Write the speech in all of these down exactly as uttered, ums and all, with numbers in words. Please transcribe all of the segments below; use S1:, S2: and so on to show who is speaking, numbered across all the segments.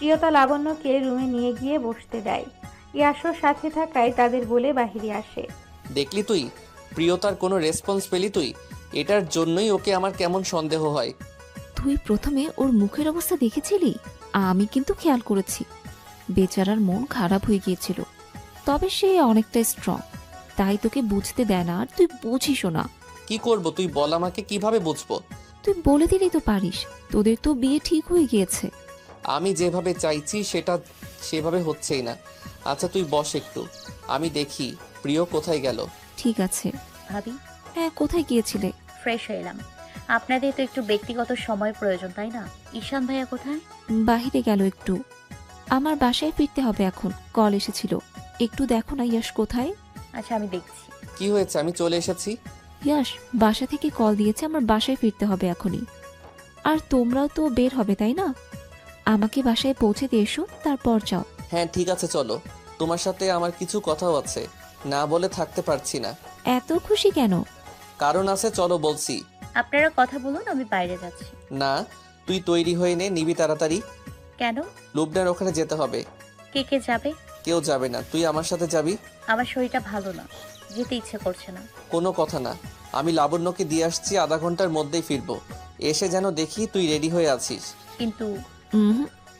S1: প্রিয়তা লাবণ্যকে রুমে নিয়ে গিয়ে বসতে দেয়। ইয়াশও সাথে থাকায় তাদের বলে বাহিরে আসে।
S2: দেখলি তুই, প্রিয়তার কোনো রেসপন্স পেলি তুই? এটার জন্যই ওকে আমার কেমন সন্দেহ হয়।
S3: তুই প্রথমে ওর মুখের অবস্থা দেখেছিলি? আমি কিন্তু খেয়াল করেছি। বেচারার মন খারাপ হয়ে গিয়েছিল, তবে সে অনেকটা স্ট্রং, তাই তোকে বুঝতে দেয় না। আর তুই বুঝিসও না।
S2: কি করব তুই বল, আমাকে কিভাবে বুঝবো?
S3: তুই বলে দিলেই তো পারিস, তোদের তো বিয়ে ঠিক হয়ে গিয়েছে।
S2: আমি যেভাবে চাইছি সেটা সেভাবে হচ্ছেই না। আচ্ছা তুই বস একটু, আমি দেখি প্রিয় কোথায় গেল।
S3: ঠিক আছে।
S4: ভাবি,
S3: হ্যাঁ, কোথায় গিয়েছিলে?
S4: ফ্রেশ হয়ে এলাম। আপনাদের তো একটু ব্যক্তিগত সময় প্রয়োজন, তাই না? ঈশান ভাইয়া কোথায়?
S3: বাহিরে গেল একটু। আমার বাসায় ফিরতে হবে এখন, কল এসেছিল। একটু দেখো না ইয়াশ কোথায়।
S4: আচ্ছা, আমি দেখছি।
S2: কি হয়েছে? আমি চলে এসেছি।
S3: ইয়াশ বাসা থেকে কল দিয়েছে, আমার বাসায় ফিরতে হবে এখনই। আর তোমরাও তো বের হবে তাই না? আমাকে বাসায় পৌঁছে দিয়ে এসো, তারপর যাও।
S2: হ্যাঁ ঠিক আছে চলো, তোমার সাথে আমার কিছু কথাও আছে, না বলে থাকতে পারছি না।
S3: এত খুশি কেন?
S2: কারণ আছে, চলো বলছি।
S4: আপনারা কথা বলুন, আমি বাইরে যাচ্ছি।
S2: না, তুই তৈরি হয়ে নে, নিবি তাড়াতাড়ি।
S4: কেন?
S2: লুবনার ওখানে যেতে হবে।
S4: কে কে যাবে?
S2: কেউ যাবে না, তুই আমার সাথে যাবি।
S4: আমার শরীরটা ভালো না, যেতে ইচ্ছে করছে না।
S2: কোনো কথা না, আমি লাবণ্যকে দিয়ে আসছি, আধা ঘন্টার মধ্যেই ফিরবো। এসে যেন দেখি তুই রেডি হয়ে আছিস।
S4: কিন্তু
S3: হুম,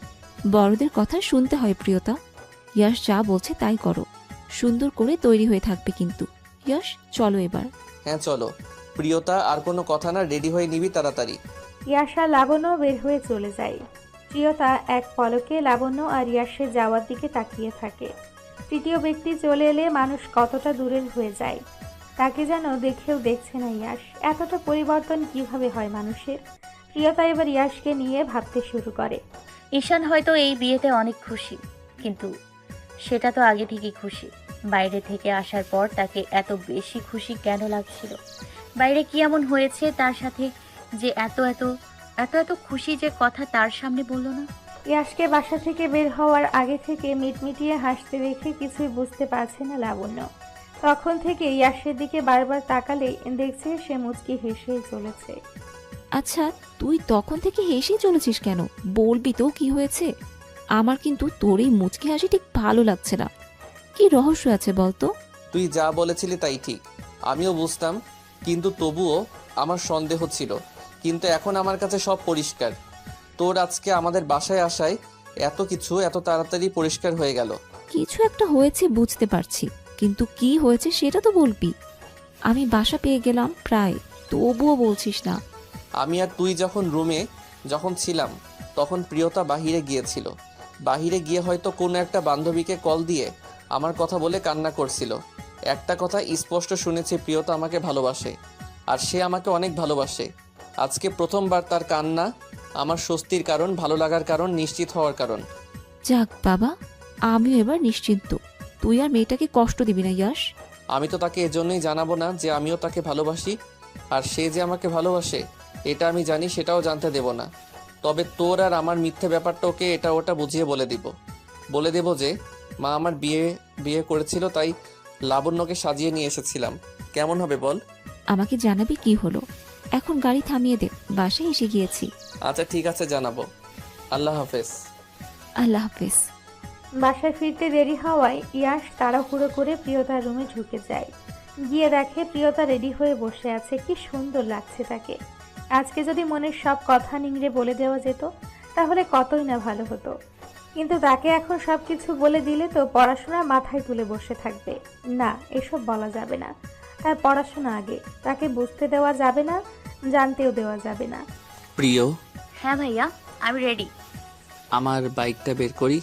S3: বড়দের কথা শুনতে হয় প্রিয়তা। ইয়াশ যা বলছে তাই করো। সুন্দর করে তৈরি হয়ে থাকবে কিন্তু। ইয়াশ চলো এবার।
S2: হ্যাঁ চলো। প্রিয়তা, আর কোনো কথা না, রেডি হয়ে নিবি তাড়াতাড়ি।
S1: ইয়াশ আর লাবণ্য বের হয়ে চলে যায়। প্রিয়তা এক পলকে লাবণ্য আর ইয়াশের যাওয়ার দিকে তাকিয়ে থাকে। তৃতীয় ব্যক্তি চলে এলে মানুষ কতটা দূরের হয়ে যায়, তাকে যেন দেখেও দেখছে না ইয়াশ। এতটা পরিবর্তন কিভাবে হয় মানুষের? প্রিয়তা এবার ইয়াশকে নিয়ে ভাবতে শুরু করে।
S4: ঈশান হয়তো এই বিয়েতে অনেক খুশি, কিন্তু সেটা তো আগে থেকেই খুশি। বাইরে থেকে আসার পর তাকে এত বেশি খুশি কেন লাগছিল? বাইরে কি এমন হয়েছে তার সাথে যে এত এত এত এত খুশি যে কথা তার সামনে বলল না?
S1: ইয়াশকে বাসা থেকে বের হওয়ার আগে থেকে মিটমিটিয়ে হাসতে দেখে কিছুই বুঝতে পারছে না লাবণ্য। তখন থেকে ইয়াশের দিকে বারবার তাকালেই দেখছে সে মুচকি হেসেই চলেছে।
S3: আচ্ছা, তুই তখন থেকে হেসেই চলেছিস কেন? বলবি তো কি হয়েছে? আমার কিন্তু তোর এই মুচকি হাসি ঠিক ভালো লাগছে না। কি রহস্য আছে বলতো?
S2: তুই যা বলেছিলি তাই ঠিক, আমিও বুঝতাম, কিন্তু তবুও আমার সন্দেহ ছিল। কিন্তু এখন আমার কাছে সব পরিষ্কার। তোর আজকে আমাদের বাসায় আসায় এত কিছু এত তাড়াতাড়ি পরিষ্কার হয়ে গেল।
S3: কিছু একটা হয়েছে বুঝতে পারছি, কিন্তু কি হয়েছে সেটা তো বলবি। আমি বাসা পেয়ে গেলাম প্রায়, তবুও বলছিস না।
S2: আমি আর তুই যখন রুমে যখন ছিলাম তখন প্রিয়তা বাহিরে গিয়েছিল। বাহিরে গিয়ে হয়তো কোনো একটা বান্ধবীকে কল দিয়ে আমার কথা বলে কান্না করছিল। একটা কথা স্পষ্ট শুনেছি, প্রিয়তা আমাকে ভালোবাসে, আর সে আমাকে অনেক ভালোবাসে। আজকে প্রথমবার তার কান্না আমার স্বস্তির কারণ, ভালো লাগার কারণ, নিশ্চিত হওয়ার কারণ।
S3: যাক বাবা, আমিও এবার নিশ্চিন্ত। তুই আর মেয়েটাকে কষ্ট দিবি না ইয়াশ।
S2: আমি তো তাকে এজন্যই জানাবো না যে আমিও তাকে ভালোবাসি, আর সে যে আমাকে ভালোবাসে এটা আমি জানি, সেটাও জানতে দেব না। তবে তোর আর আমার মিথ্যে ব্যাপারটা ওকে এটা ওটা বুঝিয়ে বলে দিব। বলে দেব যে মা আমার বিয়ে বিয়ে করেছিল, তাই লাবণ্যকে সাজিয়ে নিয়ে এসেছিলাম। কেমন হবে বল?
S3: আমাকে জানাবি কি হলো। এখন গাড়ি থামিয়ে দে, বাসায় এসে গিয়েছি।
S2: আচ্ছা ঠিক আছে, জানাবো। আল্লাহ হাফেজ।
S3: আল্লাহ হাফেজ।
S1: বাসায় ফিরতে দেরি হওয়ায় ইয়াশ তাড়াহুড়ো করে প্রিয়তার রুমে ঢুকে যায়। গিয়ে দেখে প্রিয়তা রেডি হয়ে বসে আছে। কি সুন্দর লাগছে তাকে। আজকে যদি মনের সব কথা নিংড়ে বলে দেওয়া যেত তাহলে কতই না ভালো হতো, কিন্তু তাকে এখন সব কিছু বলে দিলে তো পড়াশোনা মাথায় তুলে বসে থাকবে। না, এসব বলা যাবে না। তার পড়াশোনা আগে, তাকে বুঝতে দেওয়া যাবে না, জানতেও দেওয়া যাবে না।
S2: প্রিয়,
S4: হ্যাঁ ভাইয়া, আমি রেডি।
S2: আমার বাইকটা বের করি।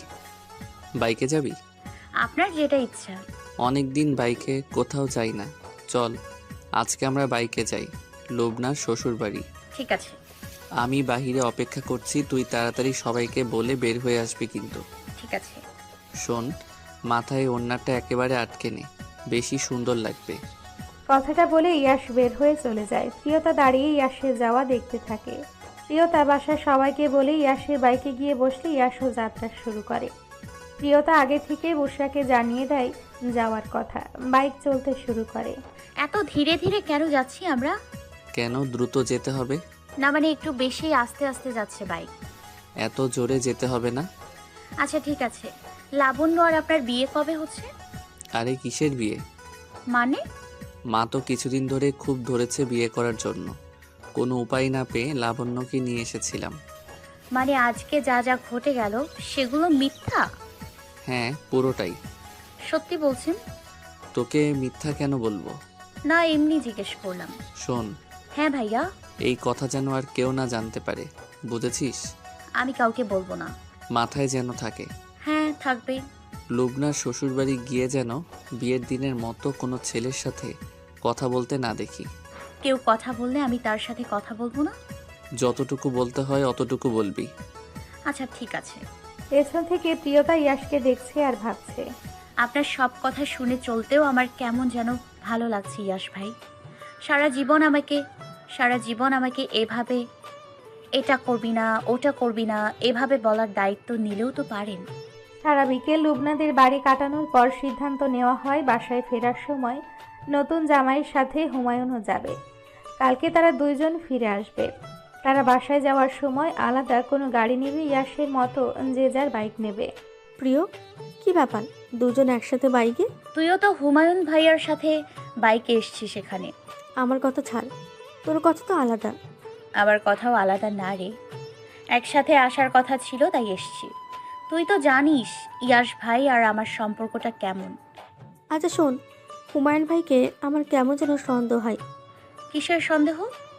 S2: বাইকে যাবি?
S4: আপনার যেটা ইচ্ছা।
S2: অনেক দিন বাইকে কোথাও যাই না, চল আজকে আমরা বাইকে যাই লুবনার শ্বশুর বাড়ি।
S4: ঠিক আছে।
S2: আমি বাহিরে অপেক্ষা করছি, তুই তাড়াতাড়ি সবাইকে বলে বের হয়ে আসবি কিন্তু।
S4: ঠিক আছে।
S2: শোন, মাথায় ওড়নাটা একেবারে আটকে নে, বেশি সুন্দর লাগবে।
S1: কথাটা বলে ইয়াশ বের হয়ে চলে যায়। প্রিয়তা দাঁড়িয়ে ইয়াশের যাওয়া দেখতে থাকে। প্রিয়তা বাসার সবাইকে বলে ইয়াশের বাইকে গিয়ে বসলে ইয়াশও যাত্রা শুরু করে। প্রিয়তা আগে থেকেই বুশরাকে জানিয়ে দেয় যাওয়ার কথা। বাইক চলতে শুরু করে।
S4: এত ধীরে ধীরে কেন যাচ্ছি আমরা?
S2: কেন দ্রুত যেতে হবে?
S4: না মানে একটু বেশি আস্তে আস্তে যাচ্ছে বাইক।
S2: এত জোরে যেতে হবে না।
S4: আচ্ছা ঠিক আছে, লাবণ্য আর আপনার বিয়ে কবে হচ্ছে?
S2: আরে কিসের বিয়ে?
S4: মানে?
S2: মা তো কিছুদিন ধরে খুব ধরেছে বিয়ে করার জন্য। কোনো উপায় না পেয়ে লাবণ্যকে নিয়ে এসেছিলাম।
S4: মানে আজকে যা যা ঘটে গেল সেগুলো মিথ্যা?
S2: হ্যাঁ, পুরোটাই।
S4: সত্যি বলছেন?
S2: তোকে মিথ্যা কেন বলবো?
S4: না, এমনি জিজ্ঞেস করলাম।
S2: শোন,
S4: হ্যাঁ ভাইয়া।
S2: এই কথা যেন আর কেউ না জানতে পারে, বুঝেছিস?
S4: আমি কাউকে বলবো না।
S2: মাথায় যেন থাকে।
S4: হ্যাঁ থাকবে।
S2: লুবনার শ্বশুরবাড়ি গিয়ে যেন বিয়ের দিনের মতো কোনো ছেলের সাথে কথা বলতে না দেখি।
S4: কেউ কথা বললে আমি তার সাথে কথা বলবো না?
S2: যতটুকু বলতে হয় অতটুকু বলবি।
S4: আচ্ছা ঠিক আছে।
S1: পেছন থেকে প্রিয়তা ইয়াশকে দেখছে আর ভাবছে।
S4: আপনার সব কথা শুনে চলতেও আমার কেমন যেন ভালো লাগছে ইয়াশ ভাই। সারা জীবন আমাকে সারা জীবন আমাকে এভাবে এটা করবি না ওটা করবি না এভাবে বলার দায়িত্ব নিলেও তো পারেন।
S1: সারা বিকেল লুবনাদের বাড়ি কাটানোর পর সিদ্ধান্ত নেওয়া হয় বাসায় ফেরার সময় নতুন জামাইয়ের সাথে হুমায়ুনও যাবে। কালকে তারা দুইজন ফিরে আসবে। তারা বাসায় যাওয়ার সময় আলাদা কোনো গাড়ি নেবে, ইয়াশের মতো যে যার বাইক নেবে।
S5: প্রিয়, কি ব্যাপার দুজন একসাথে বাইকে?
S4: তুইও তো হুমায়ুন ভাইয়ার সাথে বাইকে এসছিস সেখানে।
S5: আমার কথা ছাড়, তোর কথা তো আলাদা।
S4: আবার কথাও আলাদা না রে, একসাথে আসার কথা ছিল তাই এসছি। তুই তো জানিস ইয়াশ ভাই আর আমার সম্পর্কটা কেমন।
S5: আচ্ছা শোন, হুমায়ুন ভাইকে আমার কেমন যেন সন্দেহ হয়।
S4: কিসের সন্দেহ?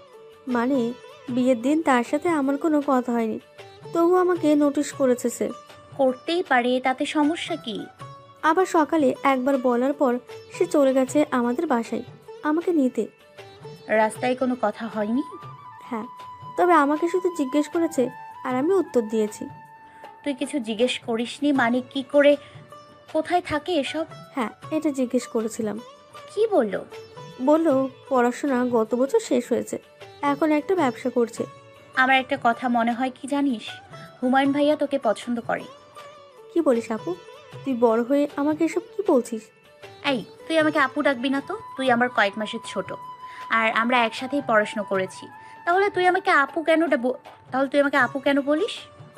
S5: মানে বিয়ের দিন তার সাথে আমার কোনো কথা হয়নি, তবু আমাকে নোটিশ করেছে সে।
S4: করতেই পারে, তাতে সমস্যা কি?
S5: আবার সকালে একবার বলার পর সে চলে গেছে আমাদের বাসায় আমাকে নিতে।
S4: রাস্তায় কোনো কথা হয়নি?
S5: হ্যাঁ, তবে আমাকে শুধু জিজ্ঞেস করেছে আর আমি উত্তর দিয়েছি।
S4: তুই কিছু জিজ্ঞেস করিসনি মানে? কি করে, কোথায় থাকে এসব?
S5: হ্যাঁ, এটা জিজ্ঞেস করেছিলাম।
S4: কি বললো?
S5: বললো পড়াশোনা গত বছর শেষ হয়েছে, এখন একটা ব্যবসা করছে।
S4: আমার একটা কথা মনে হয় কি জানিস, হুমায়ুন ভাইয়া তোকে পছন্দ করে।
S5: কি বলিস আপু? তুই বড় হয়ে আমাকে এসব কি বলছিস?
S4: এই, তুই আমাকে আপু ডাকবি না তো। তুই আমার কয়েক মাসের ছোট, আর আমরা একসাথেই পড়াশোনা করেছি। তাহলে তুই আমাকে আপু কেন ডাব- তাহলে তুই আমাকে আপু কেন বলিস?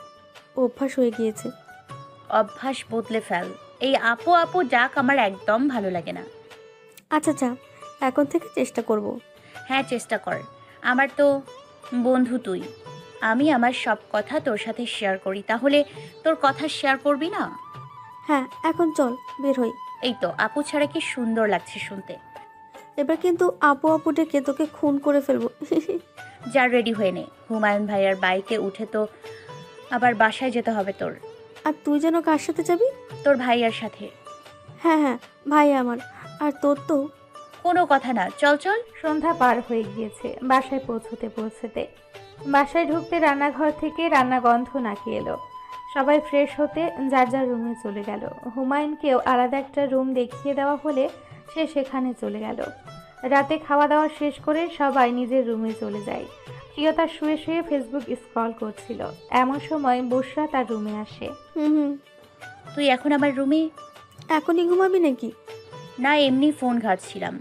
S5: অভ্যাস হয়ে গিয়েছে।
S4: অভ্যাস বদলে ফেল। এই আপু আপু ডাক আমার একদম ভালো লাগে না।
S5: আচ্ছা যা, এখন থেকে চেষ্টা করব।
S4: হ্যাঁ চেষ্টা কর, আমার তো বন্ধু তুই। আমি আমার সব কথা তোর সাথে শেয়ার করি, তাহলে তোর কথা শেয়ার করবি না?
S5: হ্যাঁ, এখন চল বের হই।
S4: এই তো আপু ছাড়া কি সুন্দর লাগছে শুনতে।
S5: এবার কিন্তু আপু আপু ডেকে তোকে খুন করে ফেলবো।
S4: যা রেডি হয়ে নে, হুমায়ুন ভাইয়ার বাইকে উঠে তো আবার বাসায় যেতে হবে তোর।
S5: আর তুই যেন কার সাথে যাবি?
S4: তোর ভাইয়ার সাথে।
S5: হ্যাঁ হ্যাঁ, ভাই আমার। আর তোর তো
S4: কোনো কথা না, চল চল।
S1: সন্ধ্যা পার হয়ে গিয়েছে। বাসায় পৌঁছতে পৌঁছতে বাসায় ঢুকতে রান্নাঘর থেকে রান্না গন্ধ নাকি এলো। সবাই ফ্রেশ হতে যার যার রুমে চলে গেল। হুমায়ুনকেও আলাদা একটা রুম দেখিয়ে দেওয়া হলে সে সেখানে চলে গেল। রাতে খাওয়া দাওয়া শেষ করে সবাই নিজের রুমে চলে যায়। প্রিয়তা শুয়ে শুয়ে ফেসবুক স্ক্রল করছিল। এমন সময় বুশরা তার রুমে আসে।
S5: হুম হুম।
S4: তুই এখন আমার রুমে?
S5: এখনই ঘুমাবি নাকি?
S4: না, এমনি ফোন ঘাঁটছিলাম।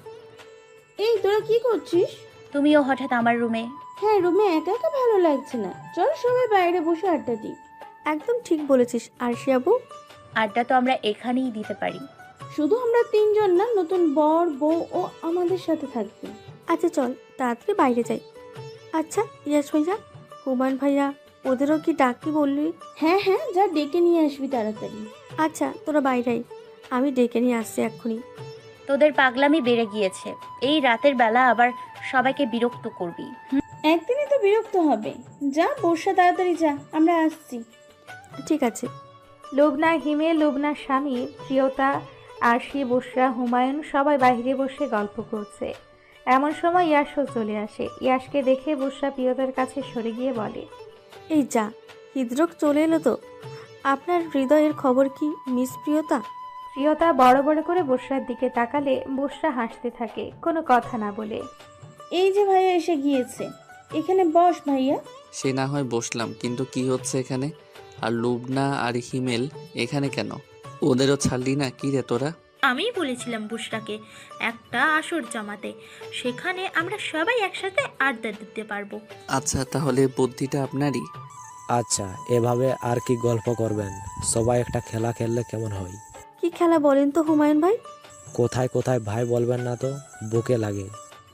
S6: এই তোরা কি করছিস?
S4: তুমিও হঠাৎ আমার রুমে?
S6: হ্যাঁ, রুমে একা একা ভালো লাগছে না, চল সবাই বাইরে বসে আড্ডা দিই।
S5: একদম ঠিক বলেছিস আরশি আপু।
S4: আড্ডা তো আমরা এখানেই দিতে পারি।
S6: শুধু আমরা তিনজন না, নতুন বর বউ ও আমাদের সাথে থাকবে।
S5: আচ্ছা চল তাড়াতাড়ি বাইরে যাই। আচ্ছা ইয়াস ভাইয়া, হুমায়ুন ভাইয়া ওদেরও কি ডাকতে বললি?
S6: হ্যাঁ হ্যাঁ, যা ডেকে নিয়ে আসবি তাড়াতাড়ি।
S5: আচ্ছা তোরা বাইরে আয়, আমি ডেকে নিয়ে আসছি এক্ষুনি।
S4: তোদের পাগলামি বেড়ে গিয়েছে। এই রাতের বেলা আবার সবাইকে বিরক্ত করবি।
S6: একদিনই তো বিরক্ত হবে। যা বর্ষা, তাড়াতাড়ি যা, আমরা আসছি।
S5: ঠিক আছে।
S1: লুবনা, হিমেল, লুবনার স্বামী, প্রিয়তা, আরশি, বুশরা, হুমায়ুন সবাই বাইরে বসে গল্প করছে। এমন সময় ইয়াশও চলে আসে। ইয়াশকে দেখে বুশরা প্রিয়তার কাছে সরে গিয়ে বলে,
S5: এই যা, হৃদরোগ চলে এলো তো। আপনার হৃদয়ের খবর কি মিস প্রিয়তা?
S1: প্রিয়তা বড় বড় করে বুশরার দিকে তাকালে বুশরা হাসতে থাকে, কোনো কথা না বলে।
S6: এই যে ভাইয়া এসে গিয়েছে, এখানে বস ভাইয়া।
S2: সে না হয় বসলাম, কিন্তু কি হচ্ছে এখানে? আর লুবনা আর হিমেল এখানে কেন? ওদেরও ছাড়লি না কি রে তোরা?
S7: আমিই বলেছিলাম বুশরাকে একটা আসর জমাতে, সেখানে আমরা সবাই একসাথে আড্ডা দিতে পারবো।
S2: আচ্ছা, তাহলে বুদ্ধিটা আপনারই।
S8: আচ্ছা, এভাবে আর কি গল্প করবেন? সবাই একটা খেলা খেললে কেমন হয়?
S5: কি খেলা বলেন তো হুমায়ুন ভাই?
S8: কোথায় কোথায় ভাই বলবেন না তো, বুকে লাগে।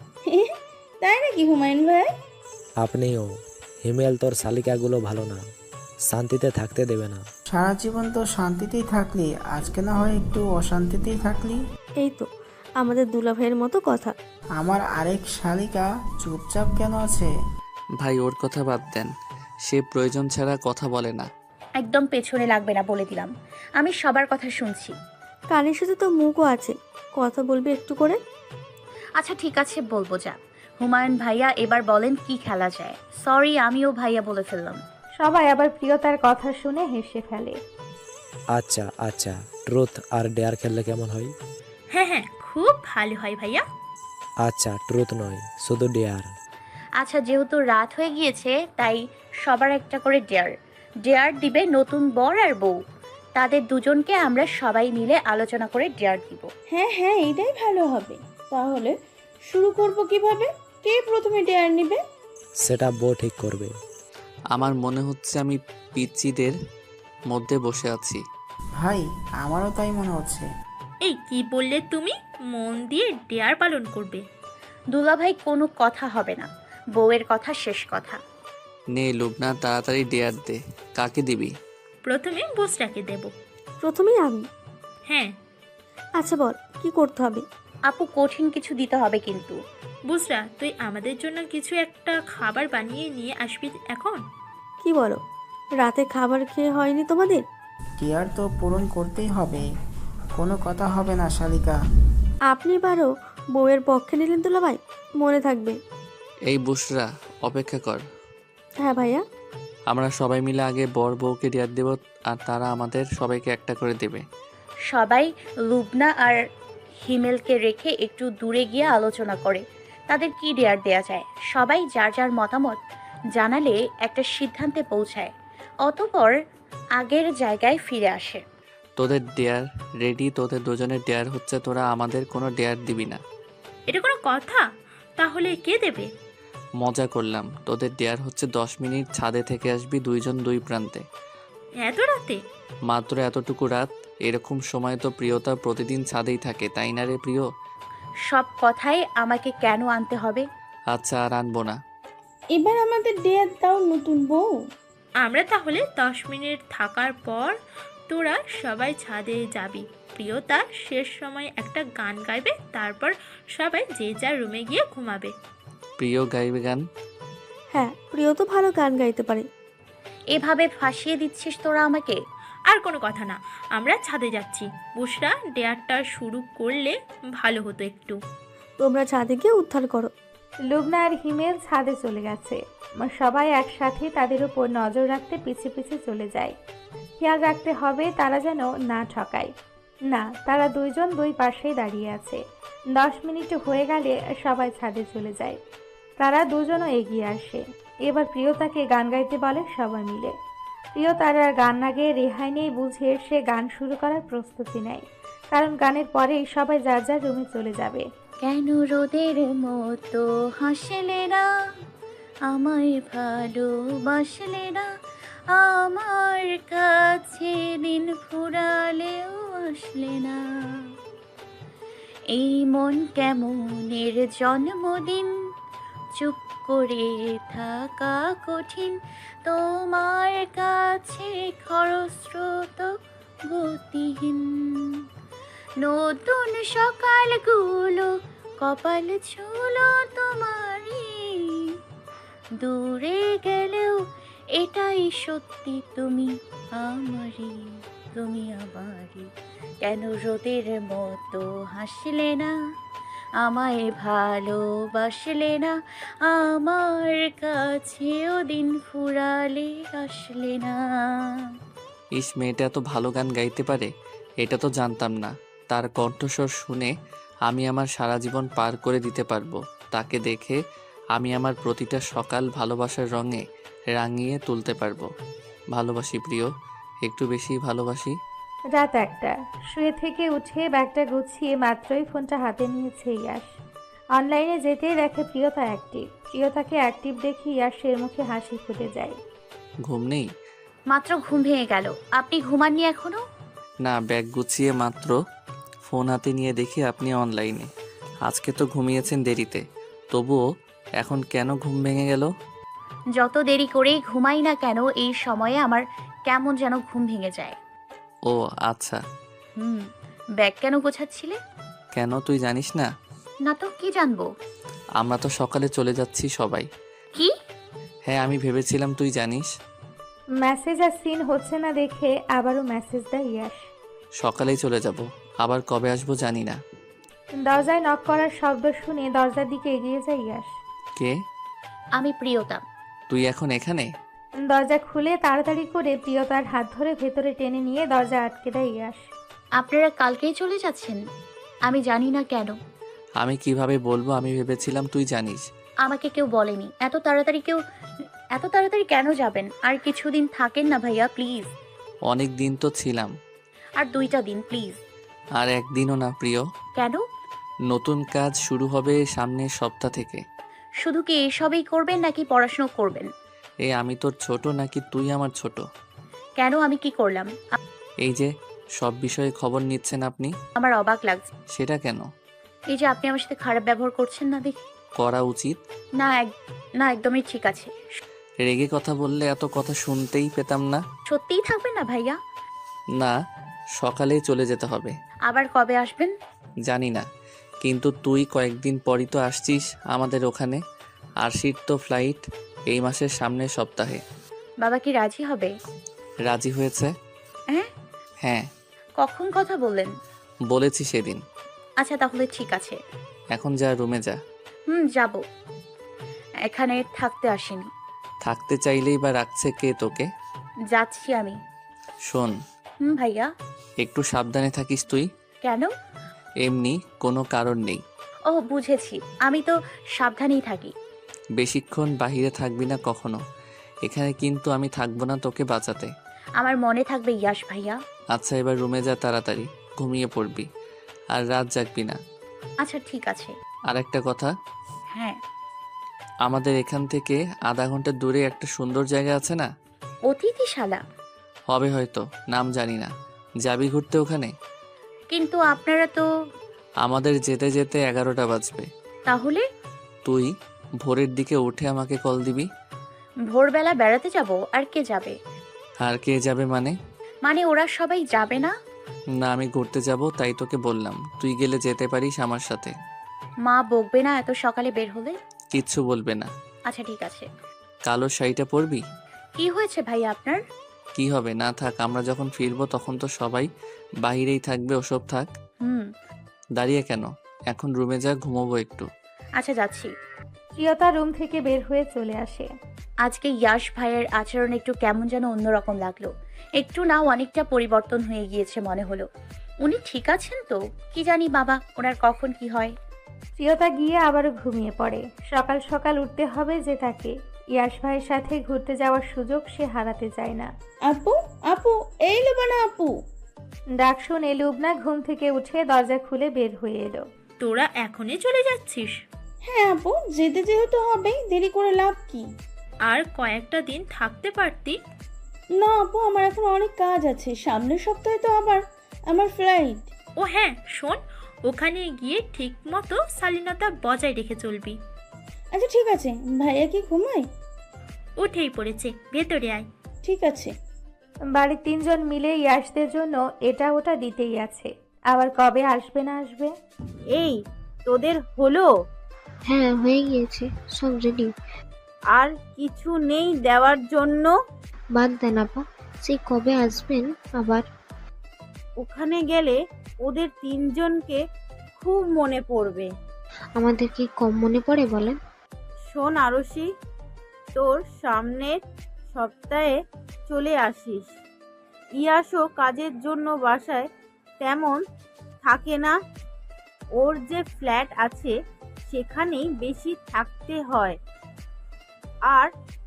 S6: তাই নাকি হুমায়ুন ভাই?
S8: আপনিও। হিমেল তোর শালিকাগুলো ভালো না, শান্তিতে থাকতে দেবে না।
S9: সারা জীবন তো শান্তিতেই থাকলি, আজকে না হয় একটু অশান্তিতেই থাকলি।
S5: এই তো আমাদের দুলা ভাইয়ের মতো কথা।
S9: আমার আরেক শালিকা চুপচাপ কেন আছে?
S2: ভাই ওর কথা বাদ দেন, সে প্রয়োজন ছাড়া কথা বলে না।
S4: একদম পেছনে লাগবে না বলে দিলাম। আমি সবার কথা শুনছি।
S5: কানের সাথে তো মুখও আছে, কথা বলবি একটু করে।
S4: আচ্ছা ঠিক আছে, বলবো যা। হুমায়ুন ভাইয়া, এবার বলেন কি খেলা যায়? সরি, আমিও ভাইয়া বলে ফেললাম।
S1: সবাই আবার প্রিয়তার কথা শুনে হেসে ফেলে।
S8: আচ্ছা আচ্ছা, ট্রুথ আর ডেয়ার খেললে কেমন হয়?
S7: হ্যাঁ হ্যাঁ, খুব ভালো হয় ভাইয়া।
S8: আচ্ছা, ট্রুথ নয়, শুধু ডেয়ার।
S4: আচ্ছা, যেহেতু রাত হয়ে গিয়েছে তাই সবার একটা করে ডেয়ার। ডেয়ার দিবে নতুন বর আর বউ। তাদের দুজনকে আমরা সবাই মিলে আলোচনা করে ডেয়ার দিব।
S6: হ্যাঁ হ্যাঁ, এটাই ভালো হবে। তাহলে শুরু করব কিভাবে? কে প্রথমে ডেয়ার নেবে?
S8: সেটা বউ ঠিক করবে।
S2: আমার মনে হচ্ছে আমি পিচ্চিদের মধ্যে বসে আছি।
S9: ভাই, আমারও তাই মনে হচ্ছে।
S7: এই কি বললে তুমি? মন দিয়ে ডেয়ার পালন করবে।
S4: দুলাভাই, কোনো কথা হবে না, বউয়ের কথা শেষ কথা।
S2: নে লুবনা, তাড়াতাড়ি ডেয়ার দে। কাকে দিবি?
S7: প্রথমে বুসরাকে দেব।
S5: প্রথমেই আমি?
S7: হ্যাঁ।
S5: আচ্ছা বল, কি করতে হবে?
S4: আপু, কঠিন কিছু দিতে হবে কিন্তু।
S7: বুসরা, তুই আমাদের জন্য কিছু একটা খাবার বানিয়ে নিয়ে আসবি এখন।
S5: কি বলো, রাতে খাবার খেয়ে হয়নি তোমাদের?
S9: ডেয়ার তো পূরণ করতেই হবে, কোনো কথা হবে না শালিকা।
S5: আপনি বারো বউয়ের পক্ষে নিলেন দুলা ভাই, মনে থাকবে।
S2: এই বুসরা, অপেক্ষা কর।
S5: হ্যাঁ ভাইয়া।
S2: আমরা সবাই মিলে আগে বর বউকে ডেয়ার দেব, আর তারা আমাদের সবাইকে একটা করে দেবে।
S4: সবাই লুবনা আর হিমেলকে রেখে একটু দূরে গিয়ে আলোচনা করে তাদের কি ডেয়ার দেয়া যায়। সবাই যার যার মতামত জানালে একটা সিদ্ধান্তে পৌঁছায়, অতঃপর আগের জায়গায় ফিরে আসে।
S2: তোদের ডেয়ার রেডি, তোদের দুজনের ডেয়ার হচ্ছে তোরা আমাদের কোনো ডেয়ার দিবি না।
S7: এটা কোনো কথা? তাহলে কে দেবে?
S2: মজা করলাম। তোদের ডেয়ার হচ্ছে দশ মিনিট ছাদে থেকে আসবি দুইজন দুই প্রান্তে।
S7: এত রাতে?
S2: মাত্র এতটুকু রাত। এরকম সময় তো প্রিয়তা প্রতিদিন ছাদেই থাকে, তাই না রে প্রিয়?
S4: সব কথাই আমাকে কেন আনতে হবে?
S2: আচ্ছা, আর আনবো না।
S6: এবার আমাদের ডেয়ার দাও নতুন বউ।
S7: আমরা তাহলে দশ মিনিট থাকার পর তোরা সবাই ছাদে যাবি। প্রিয়তা শেষ সময় একটা গান গাইবে, তারপর সবাই যে যার রুমে গিয়ে ঘুমাবে।
S2: প্রিয় গাইবে গান?
S5: হ্যাঁ, প্রিয় তো ভালো গান গাইতে পারে।
S4: এভাবে ফাঁসিয়ে দিচ্ছিস তোরা আমাকে।
S7: আর কোনো কথা না, আমরা ছাদে যাচ্ছি। বুসরা, ডেয়ারটা শুরু করলে ভালো হতো একটু।
S5: তোমরা ছাদে গিয়ে উদ্ধার করো।
S1: লুবনা আর হিমেল ছাদে চলে গেছে। সবাই একসাথে তাদের উপর নজর রাখতে পিছে পিছে চলে যায়। খেয়াল রাখতে হবে তারা যেন না ঠকায়। না, তারা দুইজন দুই পাশেই দাঁড়িয়ে আছে। দশ মিনিট হয়ে গেলে সবাই ছাদে চলে যায়। তারা দুজনও এগিয়ে আসে। এবার প্রিয়তাকে গান গাইতে বলে সবাই মিলে। প্রিয়তার আর গান না গেয়ে রেহাই নেই বুঝে সে গান শুরু করার প্রস্তুতি নেয়, কারণ গানের পরেই সবাই যার যার রুমে চলে যাবে।
S4: কেন রোদের মতো হাসলে না, আমায় ভালোবাসলে না, আমার কাছে দিন ফুরালেও আসলে না, এই মন কেমনের জন্মদিন, চুপ করে থাকা কঠিন, তোমার কাছে খরস্রোত গতিহীন, নতুন সকালগুলো কপাল ছুলো তোমারই, দূরে গেলেও এটাই সত্যি, তুমি আমারই, তুমি আমারই। কেন রোদের মতো হাসলে না, আমায় ভালোবাসলে না, আমার কাছেও দিন ফুরালে আসলে না।
S2: ইস, মেয়েটা এত ভালো গান গাইতে পারে, এটা তো জানতাম না। তার কণ্ঠস্বর শুনে আমি আমার সারা জীবন পার করে দিতে পারবো। তাকে দেখে আমি আমার প্রতিটা সকাল ভালোবাসার রঙে রাঙিয়ে তুলতে পারবো। ভালোবাসি প্রিয়, একটু বেশি ভালোবাসি।
S1: রাত একটা। শুয়ে থেকে উঠে ব্যাগটা গুছিয়ে মাত্রই ফোনটা হাতে নিয়েছে ইয়াশ। অনলাইনে যেতেই দেখে প্রিয়তা অ্যাক্টিভ। প্রিয়তাকে অ্যাক্টিভ দেখে ইয়াশের মুখে হাসি ফুটে যায়।
S2: ঘুম নেই?
S4: মাত্র ঘুম ভেঙে গেল, আপনি ঘুমাননি এখনো?
S2: না, ব্যাগ গুছিয়ে মাত্র ফোন হাতে নিয়ে দেখি আপনি অনলাইনে। আজকে তো ঘুমিয়েছেন দেরিতে, তবুও এখন কেন ঘুম ভেঙে গেল?
S4: যত দেরি করেই ঘুমাই না কেন এই সময়ে আমার কেমন যেন ঘুম ভেঙে যায়।
S2: ও আচ্ছা।
S4: হুম। ব্যাগ কেন গোছাচ্ছিলে?
S2: কেন, তুই জানিস না?
S4: না তো, কি জানবো?
S2: আমরা তো সকালে চলে যাচ্ছি সবাই।
S4: কি?
S2: হ্যাঁ, আমি ভেবেছিলাম তুই জানিস।
S1: মেসেজ আর সিন হচ্ছে না দেখে আবারও মেসেজ দেয় ইয়াশ।
S2: সকালেই চলে যাব, আবার কবে আসবো জানি না।
S1: দরজায় নক করার শব্দ শুনে দরজার দিকে এগিয়ে যায় ইয়াশ।
S2: কে?
S4: আমি প্রিয়তা।
S2: তুই এখন এখানে?
S1: দরজা খুলে তাড়াতাড়ি করে প্রিয়তার হাত ধরে ভেতরে টেনে নিয়ে দরজা আটকে দেয় ইয়াশ।
S4: আপনারা কালকেই চলে যাচ্ছেন? আমি জানি না কেন।
S2: আমি কিভাবে বলবো, আমি ভেবেছিলাম তুই জানিস।
S4: আমাকে কেউ বলেনি। এত তাড়াতাড়ি কেউ এত তাড়াতাড়ি কেন যাবেন? আর কিছুদিন থাকেন না ভাইয়া, প্লিজ।
S2: অনেক দিন তো ছিলাম।
S4: আর দুইটা দিন প্লিজ।
S2: আর একদিনও না প্রিয়।
S4: কেন?
S2: নতুন কাজ শুরু হবে সামনের সপ্তাহ থেকে।
S4: শুধু কি এসবই করবেন নাকি পড়াশোনা করবেন?
S2: এ আমি তোর ছোট নাকি তুই আমার ছোট?
S4: কেন, আমি কি করলাম?
S2: এই যে সব বিষয়ে খবর নিচ্ছেন আপনি।
S4: আমার অবাক লাগছে।
S2: সেটা কেন?
S4: এই যে আপনি আমার সাথে খারাপ ব্যবহার করছেন না দেখি।
S2: করা উচিত
S4: না এক না একদমই ঠিক আছে।
S2: রেগে কথা বললে এত কথা শুনতেই পেতাম না।
S4: সত্যিই থাকবেন না ভাইয়া?
S2: না, সকালেই চলে যেতে হবে।
S4: আবার কবে আসবেন?
S2: জানি না, কিন্তু তুই কয়েকদিন পরই তো আসছিস আমাদের ওখানে। আরশির তো ফ্লাইট এই মাসের সামনের সপ্তাহে।
S4: বাবা কি রাজি হবে?
S2: রাজি হয়েছে।
S4: হ্যাঁ?
S2: হ্যাঁ,
S4: কখন কথা বললেন?
S2: বলেছি সেদিন।
S4: আচ্ছা তাহলে ঠিক আছে।
S2: এখন যা, রুমে যা।
S4: হুম, যাব। এখানে থাকতে আসিনি।
S2: থাকতে চাইলেই বা রাখছে কে তোকে?
S4: যাচ্ছি আমি।
S2: শোন,
S4: হুম ভাইয়া।
S2: একটু সাবধানে থাকিস তুই।
S4: কেন?
S2: এমনি কোনো কারণ নেই।
S4: ও বুঝেছি, আমি তো সাবধানেই থাকি।
S2: বেশিক্ষণ বাহিরে থাকবি না কখনো। এখানে কিন্তু আমি থাকবো না তোকে বাঁচাতে।
S4: আমার মনে থাকবে ইয়াশ ভাইয়া।
S2: আচ্ছা, এবার রুমে যা, তাড়াতাড়ি ঘুমিয়ে পড়বি, আর রাত জাগবি না।
S4: আচ্ছা ঠিক আছে।
S2: আর একটা কথা,
S4: হ্যাঁ।
S2: আমাদের এখান থেকে আধা ঘন্টা দূরে একটা সুন্দর জায়গা আছে না?
S4: অতিথিশালা?
S2: হবে হয়তো, নাম জানি না। যাবি ঘুরতে ওখানে?
S4: কিন্তু আপনারা তো।
S2: আমাদের যেতে যেতে এগারোটা বাজবে।
S4: তাহলে?
S2: তুই ভোরের দিকে উঠে আমাকে কল দিবি।
S4: ভোরবেলা বেড়াতে যাব? আর কে যাবে?
S2: আর কে যাবে মানে?
S4: মানে ওরা সবাই যাবে না?
S2: না, আমি ঘুরতে যাব, তাই তোকে বললাম তুই গেলে যেতে পারিস আমার সাথে।
S4: মা বকবে না এত সকালে বের হলে?
S2: কিচ্ছু বলবে না।
S4: আচ্ছা ঠিক আছে।
S2: কালো শাড়িটা পরবি?
S4: কি হয়েছে ভাই আপনার?
S2: কি হবে, না থাক। আমরা যখন ফিরবো তখন তো সবাই বাইরেই থাকবে, ওসব থাক।
S4: হুম।
S2: দাঁড়িয়ে কেন, এখন রুমে যা, ঘুমোবো একটু।
S4: আচ্ছা যাচ্ছি।
S1: প্রিয়তা রুম থেকে বের হয়ে চলে আসে।
S4: আজকে ইয়াশ ভাইয়ের আচরণ একটু কেমন যেন অন্যরকম লাগলো। একটু না অনেকটা পরিবর্তন হয়ে গিয়েছে মনে হলো। উনি ঠিক আছেন তো? কি জানি বাবা, ওনার কখন কি হয়।
S1: প্রিয়তা গিয়ে আবারও ঘুমিয়ে পড়ে। সকাল সকাল উঠতে হবে যে তাকে। ইয়াশ ভাইয়ের সাথে ঘুরতে যাওয়ার সুযোগ সে হারাতে চায় না।
S6: আপু, আপু, এই লোবানা আপু।
S1: ডাক শুনে লুবনা ঘুম থেকে উঠে দরজা খুলে বের হয়ে এলো।
S7: তোরা এখনই চলে যাচ্ছিস?
S6: হ্যাঁ আপু, যেতে যেহেতু হবেই, দেরি করে লাভ কি?
S7: আর কয়েকটা দিন থাকতে পারতি।
S6: না আপু, আমার এখন অনেক কাজ আছে। সামনের সপ্তাহে তো আবার আমার ফ্লাইট।
S7: ও হ্যাঁ শোন, ওখানে গিয়ে ঠিক মতো শালীনতা বজায় রেখে চলবি।
S6: আচ্ছা ঠিক আছে। ভাইয়া কি ঘুমায়?
S7: উঠেই পড়েছে, ভেতরে আয়।
S6: ঠিক আছে।
S1: বাড়ির তিনজন মিলে ইয়াশদের জন্য এটা ওটা দিতেই আছে। আবার কবে আসবে না আসবে।
S10: এই তোদের হলো?
S11: হ্যাঁ হয়ে গিয়েছে, সব রেডি।
S10: আর কিছু নেই দেওয়ার জন্য?
S11: বাদ দেন আপা, সেই কবে আসবেন আবার?
S10: ওখানে গেলে ওদের তিনজনকে খুব মনে পড়বে।
S11: আমাদের কি কম মনে পড়ে বলেন?
S10: শোন আরশি, তোর সামনের সপ্তাহে চলে আসিস। ইয়াসও কাজের জন্য বাসায় তেমন থাকে না। ওর যে ফ্ল্যাট আছে সেখানেই বেশি থাকতে হয়। আর